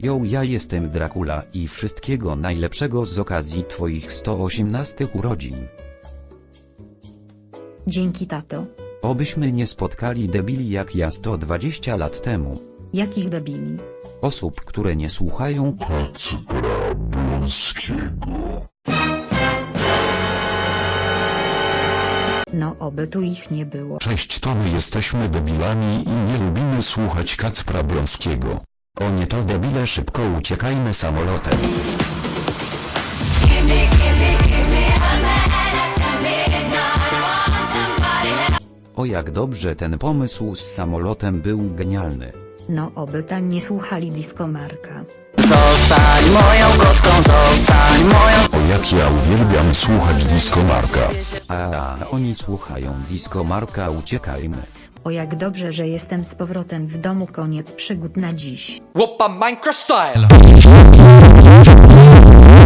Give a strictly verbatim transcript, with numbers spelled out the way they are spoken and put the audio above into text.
Jo, ja jestem Dracula i wszystkiego najlepszego z okazji twoich sto osiemnastych urodzin. Dzięki, tato. Obyśmy nie spotkali debili jak ja sto dwadzieścia lat temu. Jakich debili? Osób, które nie słuchają Kacpra Blonskiego. No oby tu ich nie było. Cześć, to my jesteśmy debilami i nie lubimy słuchać Kacpra Blonskiego. O nie, to debile, szybko uciekajmy samolotem. O, jak dobrze, ten pomysł z samolotem był genialny. No oby tam nie słuchali Disco Marka. Zostań moją kotką, zostań moją. O, jak ja uwielbiam słuchać Disco Marka. A oni słuchają Disco Marka, uciekajmy. O jak dobrze, że jestem z powrotem w domu, koniec przygód na dziś. Whoppa Minecraft style!